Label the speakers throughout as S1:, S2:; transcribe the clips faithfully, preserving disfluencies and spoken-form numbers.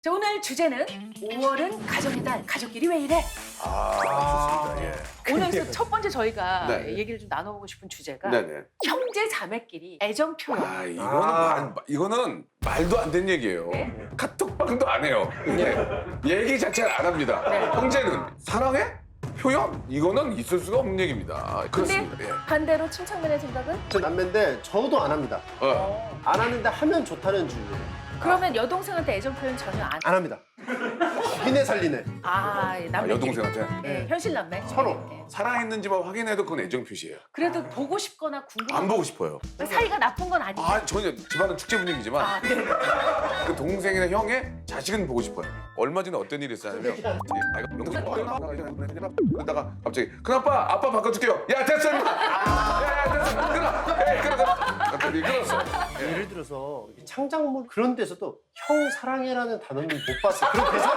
S1: 자, 오늘 주제는 오월은 가정의 달, 가족끼리 왜 이래?
S2: 아, 좋습니다. 예.
S1: 오늘 첫 번째 저희가
S2: 네.
S1: 얘기를 좀 나눠보고 싶은 주제가
S2: 네네.
S1: 형제 자매끼리 애정 표현.
S2: 아, 이거는
S3: 아.
S2: 말, 이거는 말도 안 되는 얘기예요.
S1: 네.
S2: 카톡방도 안 해요. 예. 얘기 자체를 안 합니다.
S1: 네.
S2: 형제는 사랑해? 표현? 이거는 있을 수가 없는 얘기입니다.
S1: 근데
S2: 그렇습니다. 예.
S1: 반대로 침착맨의 생각은?
S3: 저 남매인데 저도 안 합니다.
S2: 어.
S3: 안 하는데 하면 좋다는 주의예요.
S1: 그러면 여동생한테 애정 표현 전혀 안.
S3: 안 합니다. 죽이네 살리네.
S1: 아,
S2: 아,
S1: 남매.
S2: 여동생한테
S1: 네, 현실 남매.
S3: 서로.
S1: 네.
S2: 살아있는지만 확인해도 그건 애정 표시예요.
S1: 그래도 보고 싶거나 궁금한.
S2: 안 보고 싶어요.
S1: 사이가 나쁜 건 아니고.
S2: 아, 전혀 집안은 축제 분위기지만
S1: 아, 네.
S2: 그 동생이나 형의 자식은 보고 싶어요. 얼마 전에 어떤 일이 있었냐면 그러다가 갑자기 큰아빠 아빠 바꿔줄게요. 야 됐어 임마. 야야 됐어 끊어. 에이 끊어 끊어. 갑자기 끊었어.
S3: 예를 들어서 이렇게 창작물 그런 데서도 형 사랑해라는 단어는 못 봤어. 그런 대사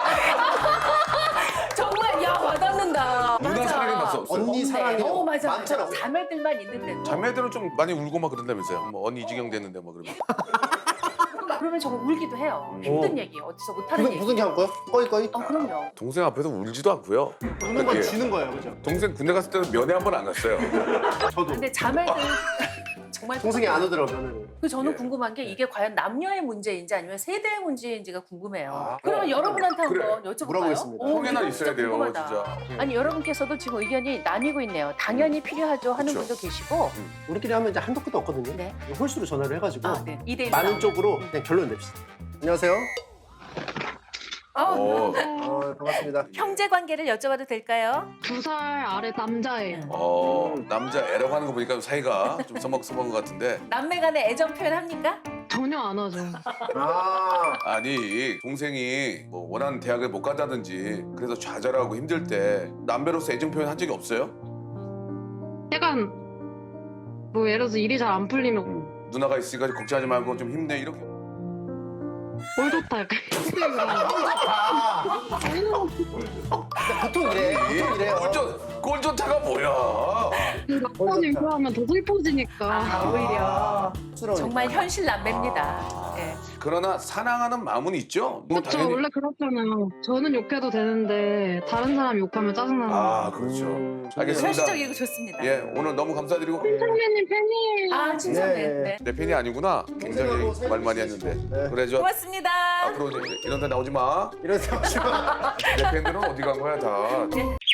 S1: 정말 야 와닿는다.
S2: 누나
S1: 맞아.
S2: 사랑해 봤어 없어요?
S3: 언니
S1: 네.
S3: 사랑해.
S1: 어, 맞아.
S3: 많잖아.
S1: 자매들만 있는데도.
S2: 자매들은 좀 많이 울고 막 그런다면서요. 뭐 언니 이지경 됐는데 뭐 그러면.
S1: 그러면 정말 울기도 해요.
S2: 음.
S1: 힘든
S3: 오.
S1: 얘기, 어디서 못하는
S3: 무슨
S1: 얘기.
S3: 무슨 게 거요? 꺼이 꺼이.
S1: 어, 그럼요.
S2: 동생 앞에서 울지도 않고요.
S3: 우는 건
S2: 예.
S3: 지는 거예요, 그죠?
S2: 동생 군대 갔을 때는 면회 한 번 안 갔어요.
S3: 저도.
S1: 근데 자매들 정말
S3: 동생이 안 오더라고요.
S1: 그 저는
S2: 예.
S1: 궁금한 게 이게 과연 남녀의 문제인지 아니면 세대의 문제인지가 궁금해요.
S3: 아,
S1: 그러면
S3: 어,
S1: 여러분한테
S2: 그래.
S1: 한번 여쭤볼까요?
S3: 물어보겠습니다.
S1: 오,
S2: 형에나
S1: 이거
S2: 있어야 돼요,
S1: 궁금하다.
S2: 진짜.
S1: 아니 여러분께서도 지금 의견이 나뉘고 있네요. 당연히 필요하죠 하는
S2: 그쵸.
S1: 분도 계시고.
S3: 우리끼리 하면 이제 한도 끝도 없거든요.
S1: 네.
S3: 홀수로 전화를 해가지고
S1: 아, 네. 이 대 일로
S3: 많은
S1: 나오는.
S3: 쪽으로 그냥 결론 냅시다. 안녕하세요.
S1: 어,
S2: 어,
S3: 어, 반갑습니다.
S1: 형제 관계를 여쭤봐도 될까요?
S4: 두 살 아래 남자예요.
S2: 어 남자 애라고 하는 거 보니까 사이가 좀 서먹서먹한 것 같은데.
S1: 남매 간에 애정 표현 합니까?
S4: 전혀 안 하죠.
S3: 아,
S2: 아니 동생이 뭐 원하는 대학을 못 간다든지 그래서 좌절하고 힘들 때 남배로서 애정 표현 한 적이 없어요?
S4: 약간 뭐 예를 들어서 일이 잘 안 풀리면
S2: 누나가 있으니까 걱정하지 말고 좀 힘내 이렇게.
S4: 꼴 좋다 약간
S3: 보통 이래. 보통 이래요.
S2: 꼴좋 꼴좋다가 뭐야?
S4: 막번 일하면 더 슬퍼지니까.
S1: 아, 오히려
S3: 쑥스러우니까.
S1: 정말 현실 남매입니다.
S2: 아.
S1: 예.
S2: 그러나 사랑하는 마음은 있죠. 뭐
S4: 그렇죠. 원래 그렇잖아요. 저는 욕해도 되는데 다른 사람 욕하면 짜증나는 거.
S2: 아 그렇죠.
S3: 음,
S2: 알겠습니다.
S1: 현실적이고 좋습니다.
S2: 예 오늘 너무 감사드리고.
S4: 선배님 팬이에요.
S1: 아, 친절해.
S3: 예.
S1: 네.
S2: 내 팬이 아니구나. 굉장히
S3: 동생하고
S2: 말 많이
S3: 살고
S2: 했는데.
S3: 있으시고. 네.
S2: 그래 저
S1: 고맙습니다.
S2: 앞으로 이제 이런 데 나오지 마.
S3: 이런 생각.
S2: 내 팬들은 어디 간 거야 다.